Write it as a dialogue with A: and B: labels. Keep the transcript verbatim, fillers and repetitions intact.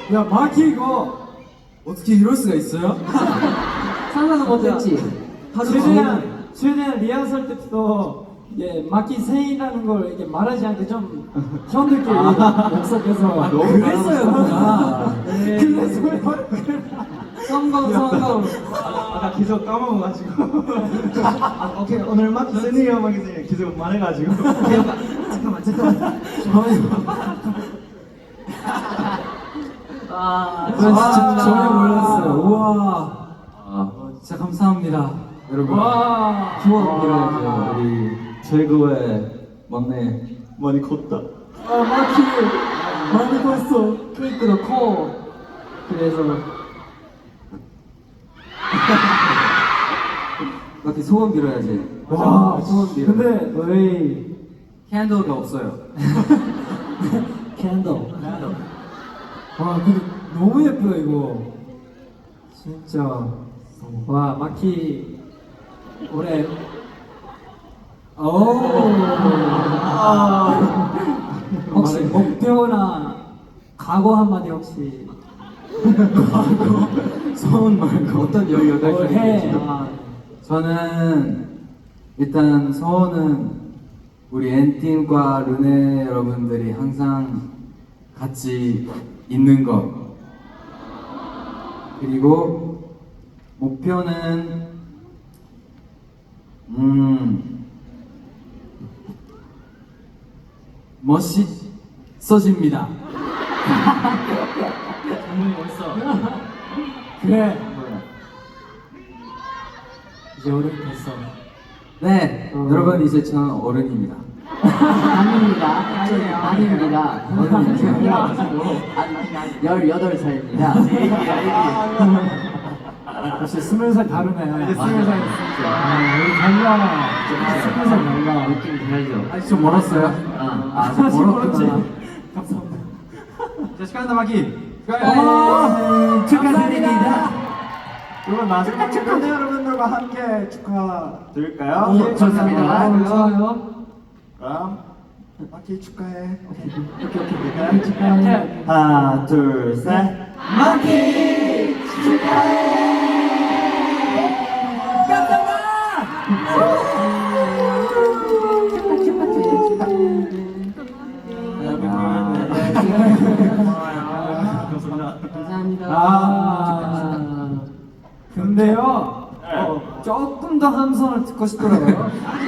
A: 야 마키 이거 어떻게 이럴 수가 있어요?
B: 상상은 못했지.
A: 최대한 최대한 리허설 때부터 이게 마키 생이라는 걸 이게 말하지 않게 좀 형들끼리 약속해서
B: 아, 너무
A: 그랬어요.
B: 네.
A: 그래서요.
B: 성공 성공.
C: 아까 계속 까먹어가지고. 아, 오케이 오늘 마키 세니어 마키 세니어 계속 말해가지고. 잠깐만 잠깐만.
B: 아,
A: 저 진짜 전혀 몰랐어요.
B: 와.
A: 우와. 어, 진짜 감사합니다, 여러분.
B: 와.
A: 소원 빌어야죠. 우리 최고의 막내.
C: 많이 컸다.
A: 아 마키 많이 봤어.
B: 케이크도 커. 그래서
A: 마키 소원 빌어야지.
B: 와,
A: 소원 빌어.
B: 근데
A: 왜 캔들가 없어요?
B: 캔들.
A: 와 근데 너무 예쁘다 이거. 진짜. 와 마키 올해. 오. 혹시 목표나 각오 한마디 혹시. 각오. 소원 말고 어떤 열여덟
B: 뭘 해? 아,
D: 저는 일단 소원은 우리 엔팀과 르네 여러분들이 항상 같이 있는 것, 그리고 목표는 음 멋있어집니다.
A: 그래. 이제 어른 됐어.
D: 네,
A: 어.
D: 여러분 이제 저는 어른입니다.
B: 아닙니다. 아닙니다. 열여덟 살입니다.
A: 역시 스물 살 다르네.
C: 이제 스물 살
A: 아, 우리 달라. 스물 살 달라.
B: 느낌 다르죠?
D: 아직 좀 멀었어요.
B: 아,
A: 아직 멀었구나.
C: 감사합니다. 자 축하한다 마키.
A: 어,
B: 축하드립니다.
C: 그러면 마지막으로 네 여러분들과 함께 축하드릴까요?
B: 오, 예, 좋습니다.
A: 아, 좋아요.
C: 그럼 마키 축하해.
B: 오케이, 오케이. 축하해.
C: 하나 둘 셋.
B: 마키 감사합니다.
A: 아, 근데요, 어, 조금 더 함성을 듣고 싶더라고요.